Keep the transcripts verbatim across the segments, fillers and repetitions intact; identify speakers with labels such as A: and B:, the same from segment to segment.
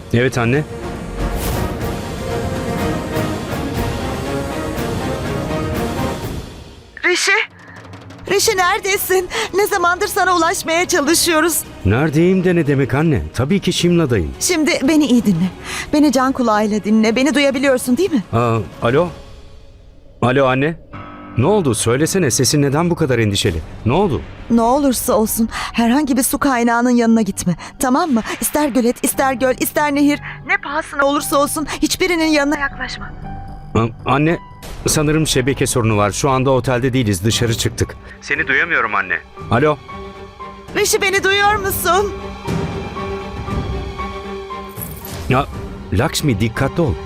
A: Evet anne.
B: Rişi? Rişi neredesin? Ne zamandır sana ulaşmaya çalışıyoruz.
A: Neredeyim de ne demek anne? Tabii ki Şimla'dayım.
B: Şimdi beni iyi dinle. Beni can kulağıyla dinle. Beni duyabiliyorsun değil mi?
A: Aa, alo? Alo anne? Ne oldu? Söylesene, sesin neden bu kadar endişeli? Ne oldu?
B: Ne olursa olsun herhangi bir su kaynağının yanına gitme. Tamam mı? İster gölet, ister göl, ister nehir. Ne pahasına olursa olsun hiçbirinin yanına yaklaşma.
A: Aa, anne, sanırım şebeke sorunu var. Şu anda otelde değiliz, dışarı çıktık. Seni duyamıyorum anne. Alo?
B: Rişi beni duyuyor musun?
A: Ya, Lakshmi dikkatli ol.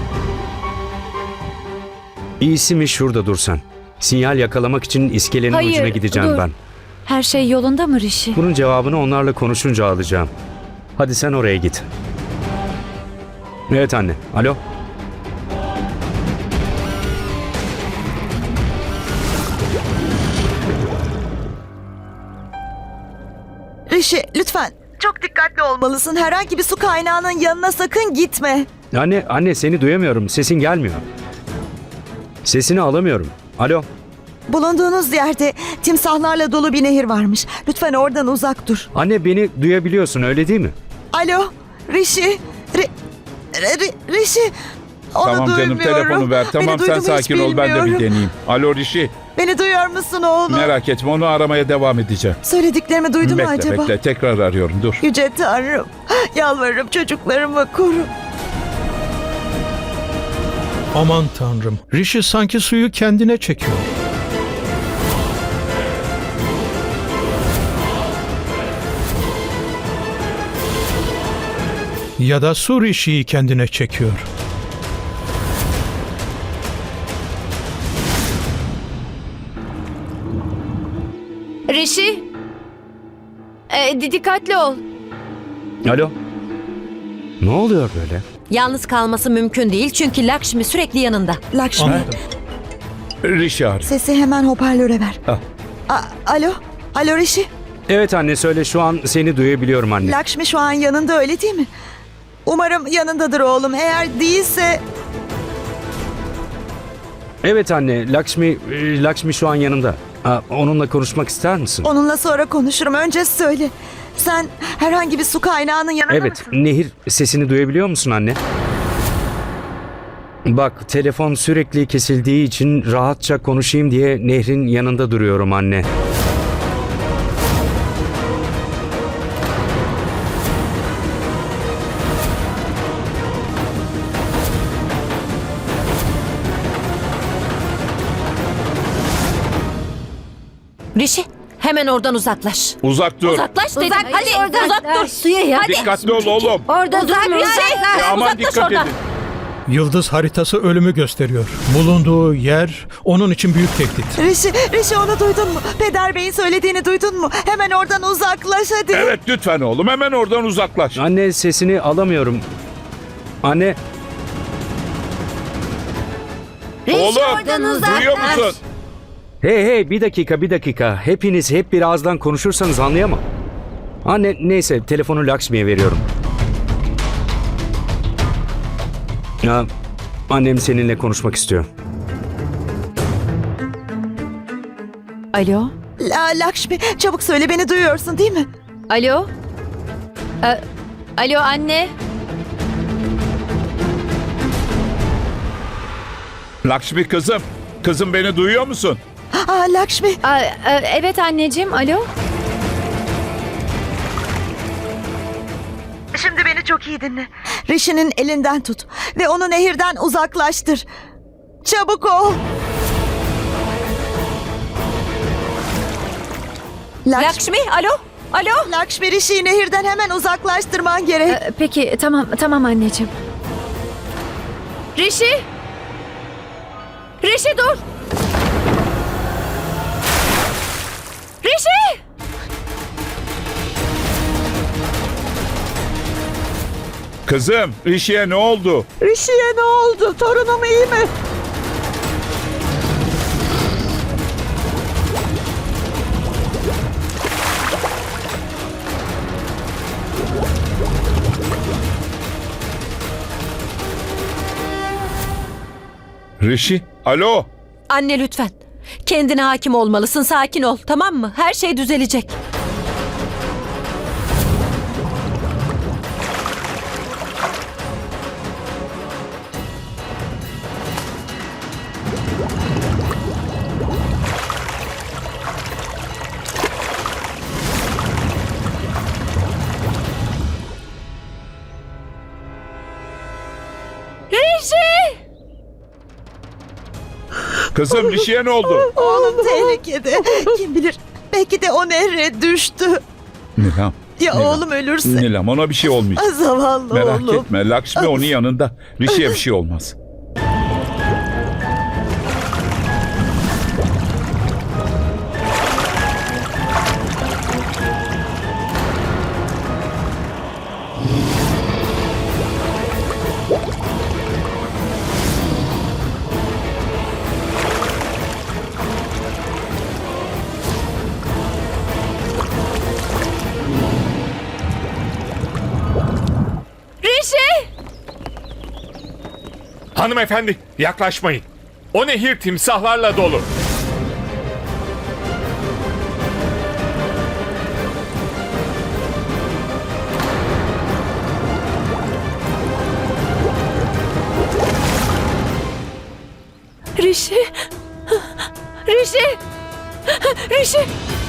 A: İyisi mi şurada dursan? Sinyal yakalamak için iskelenin
C: Hayır,
A: ucuna gideceğim
C: dur.
A: ben.
C: Her şey yolunda mı Rishi?
A: Bunun cevabını onlarla konuşunca alacağım. Hadi sen oraya git. Evet anne. Alo?
B: Rişi lütfen. Çok dikkatli olmalısın. Herhangi bir su kaynağının yanına sakın gitme.
A: Anne, anne seni duyamıyorum. Sesin gelmiyor. Sesini alamıyorum. Alo?
B: Bulunduğunuz yerde timsahlarla dolu bir nehir varmış. Lütfen oradan uzak dur.
A: Anne beni duyabiliyorsun öyle değil mi?
B: Alo, Rişi. Ri, Ri, Rişi. Onu
D: Tamam canım,
B: duymuyorum.
D: telefonu ver. Tamam,
B: Beni
D: sen
B: duydu mu hiç
D: sakin ol, ben de bir
B: bilmiyorum.
D: deneyeyim. Alo Rişi,
B: Beni duyuyor musun oğlum?
D: merak etme, onu aramaya devam edeceğim.
B: Söylediklerimi duydu mu
D: bekle
B: acaba?
D: bekle, tekrar arıyorum, dur.
B: Yüce Tanrım, yalvarırım çocuklarımı koru.
E: Aman Tanrım, Rishi sanki suyu kendine çekiyor. Ya da su Rishi'yi kendine çekiyor.
C: Rishi? Ee, di- dikkatli ol.
A: Alo? Ne oluyor böyle?
F: Yalnız kalması mümkün değil çünkü Lakshmi sürekli yanında.
B: Lakşmi,
E: Anladım.
D: Rişi ar.
B: sesi hemen hoparlöre ver.
D: Ah.
B: A- Alo, alo Rişi.
A: Evet anne söyle, şu an seni duyabiliyorum anne.
B: Lakşmi şu an yanında öyle değil mi? Umarım yanındadır oğlum. Eğer değilse...
A: Evet anne, Lakshmi, e, Lakshmi şu an yanımda. Aa, onunla konuşmak ister misin?
B: Onunla sonra konuşurum. Önce söyle. Sen herhangi bir su kaynağının yanında
A: Evet,
B: mısın?
A: Nehir, sesini duyabiliyor musun anne? Bak, telefon sürekli kesildiği için rahatça konuşayım diye Nehir'in yanında duruyorum anne.
F: Rishi, hemen oradan uzaklaş.
D: Uzak dur.
F: Uzaklaş dedim.
C: Uzak,
F: hadi
C: oradan.
F: uzak dur. Suya ya. Hadi.
D: Dikkatli ol oğlum.
F: Orada durma. Rishi.
D: Ya aman dikkat edin.
E: Yıldız haritası ölümü gösteriyor. Bulunduğu yer onun için büyük tehdit.
B: Rişi, Rişi onu duydun mu? Peder Bey'in söylediğini duydun mu? Hemen oradan uzaklaş hadi.
D: Evet lütfen oğlum, hemen oradan uzaklaş.
A: Anne, sesini alamıyorum. Anne,
D: Oğlum,
F: oradan uzaklaş.
D: duyuyor musun?
A: hey hey bir dakika bir dakika. Hepiniz hep bir ağızdan konuşursanız anlayamam. Anne, neyse telefonu Lakshmi'ye veriyorum. Ya, annem seninle konuşmak istiyor.
C: Alo?
B: La, Lakşmi çabuk söyle, beni duyuyorsun değil mi?
C: Alo? Ee, alo anne?
D: Lakshmi kızım, kızım beni duyuyor musun?
B: Aa, Lakşmi.
C: Aa, e, evet anneciğim, alo?
B: Şimdi beni çok iyi dinle. Rişi'nin elinden tut ve onu nehirden uzaklaştır. Çabuk ol. Lakşmi,
F: Lakshmi, alo. Alo.
B: Lakşmi Rişi'yi nehirden hemen uzaklaştırman gerek.
C: Ee, peki, tamam, tamam anneciğim. Rishi? Rishi dur! Rishi!
D: Kızım, Rishi'ye ne oldu?
B: Rişi'ye ne oldu? Torunum iyi mi?
D: Rishi, alo.
F: Anne lütfen. Kendine hakim olmalısın. Sakin ol, tamam mı? Her şey düzelecek.
D: Kızım Rishi'ye ne oldu?
B: Oğlum tehlikede. Kim bilir belki de o nehre düştü.
D: Nilam.
B: Ya
D: Nilam.
B: oğlum ölürse.
D: Nilam ona bir şey olmayacak.
B: Ah, zavallı
D: Merak
B: oğlum.
D: etme. Lakshmi onun yanında. Rishi'ye bir şey olmaz.
C: Rishi!
G: Hanımefendi yaklaşmayın. O nehir timsahlarla dolu.
C: Rishi! Rishi! Rishi!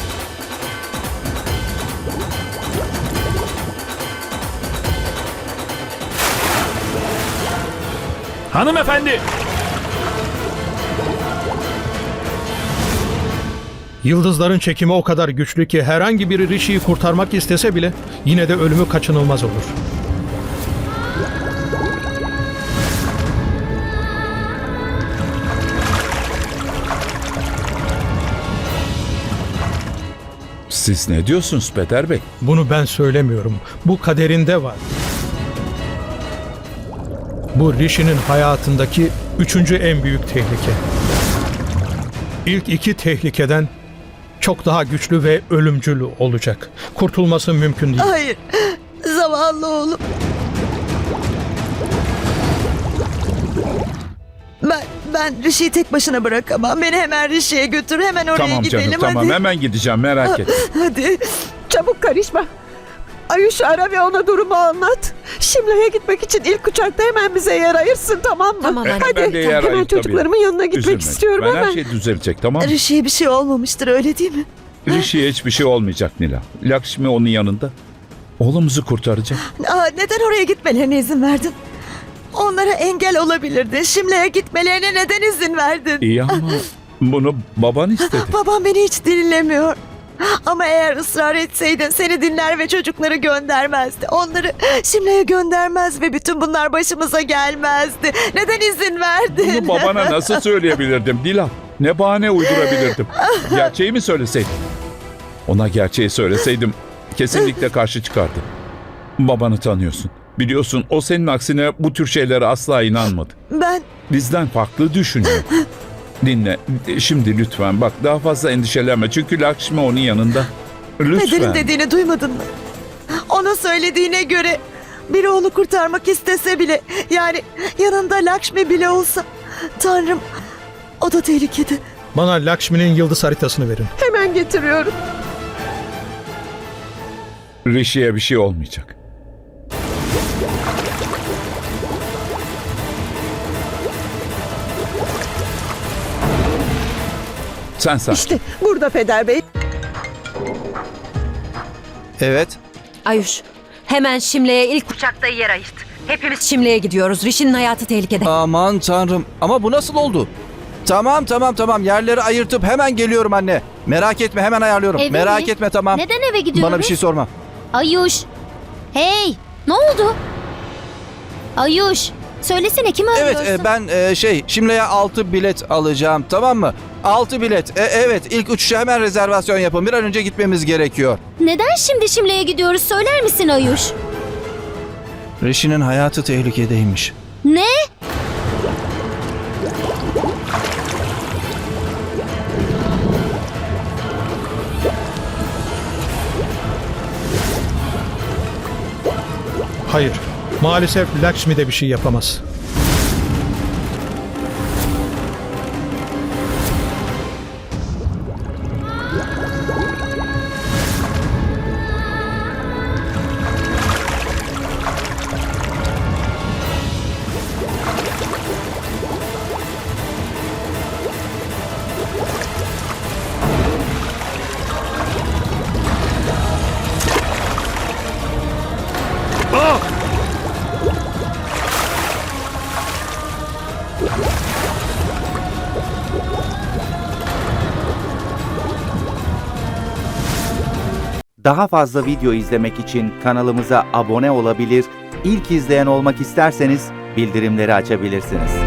G: Hanımefendi.
E: Yıldızların çekimi o kadar güçlü ki herhangi biri Rishi'yi kurtarmak istese bile yine de ölümü kaçınılmaz olur.
D: Siz ne diyorsunuz Peder Bey?
E: Bunu ben söylemiyorum. Bu kaderinde var. Bu Rishi'nin hayatındaki üçüncü en büyük tehlike. İlk iki tehlikeden çok daha güçlü ve ölümcül olacak. Kurtulması mümkün değil.
B: Hayır. Zavallı oğlum. Ben, ben Rishi'yi tek başına bırakamam. Beni hemen Rishi'ye götür. Hemen oraya
D: Tamam
B: gidelim
D: canım tamam
B: hadi.
D: hemen gideceğim merak etme.
B: Hadi.
H: Çabuk karışma. Ayuş'u ara ve ona durumu anlat. Şimla'ya gitmek için ilk uçakta hemen bize yer ayırsın, tamam mı?
F: Tamam anne.
H: Hadi
D: Ben de yer
H: hemen
D: ayır tabii.
H: çocuklarımın yanına gitmek
D: Üzülme.
H: istiyorum
D: ben
H: hemen.
D: her şey düzelecek tamam mı?
B: Rishi'ye bir şey olmamıştır öyle değil mi?
D: Rishi'ye hiçbir şey olmayacak Nila. Lakshmi onun yanında. Oğlumuzu kurtaracak.
B: Aa, neden oraya gitmelerine izin verdin? Onlara engel olabilirdin. Şimla'ya gitmelerine neden izin verdin?
D: İyi ama bunu baban istedi.
B: Babam beni hiç dinlemiyor. Ama eğer ısrar etseydin seni dinler ve çocukları göndermezdi. Onları Şimla'ya göndermez ve bütün bunlar başımıza gelmezdi. Neden izin verdin?
D: Bunu babana nasıl söyleyebilirdim Dilan? Ne bahane uydurabilirdim? Gerçeği mi söyleseydim? Ona gerçeği söyleseydim kesinlikle karşı çıkardı. Babanı tanıyorsun. Biliyorsun o senin aksine bu tür şeylere asla inanmadı.
B: Ben
D: Bizden farklı düşünüyor. Dinle şimdi lütfen bak daha fazla endişelenme. Çünkü Lakshmi onun yanında.
B: Peder'in
D: Lütfen.
B: dediğini duymadın mı? Ona söylediğine göre bir oğlu kurtarmak istese bile, yani yanında Lakshmi bile olsa, Tanrım, o da tehlikede.
E: Bana Lakshmi'nin yıldız haritasını verin.
H: Hemen getiriyorum.
D: Rishi'ye bir şey olmayacak. Sen sakin.
H: İşte burada Peder Bey.
I: Evet.
F: Ayuş, hemen Şimle'ye ilk uçakta yer ayırt. Hepimiz Şimle'ye gidiyoruz. Rishi'nin hayatı tehlikede.
I: Aman tanrım. Ama bu nasıl oldu? Tamam tamam tamam. Yerleri ayırtıp hemen geliyorum anne. Merak etme hemen ayarlıyorum.
J: Eve
I: Merak
J: mi?
I: etme tamam.
J: Neden eve gidiyoruz?
I: Bana bir şey sorma.
J: Ayuş. Hey, ne oldu? Ayuş, söylesene kimi
I: Evet
J: arıyorsun?
I: e, ben e, şey Şimle'ye altı bilet alacağım tamam mı? altı bilet. E, evet ilk uçuşa hemen rezervasyon yapın. Bir an önce gitmemiz gerekiyor.
J: Neden şimdi Şimle'ye gidiyoruz söyler misin Ayuş?
I: Rishi'nin hayatı tehlikedeymiş.
J: Ne?
E: Hayır. Maalesef Lakshmi de bir şey yapamaz.
K: Daha fazla video izlemek için kanalımıza abone olabilir, ilk izleyen olmak isterseniz bildirimleri açabilirsiniz.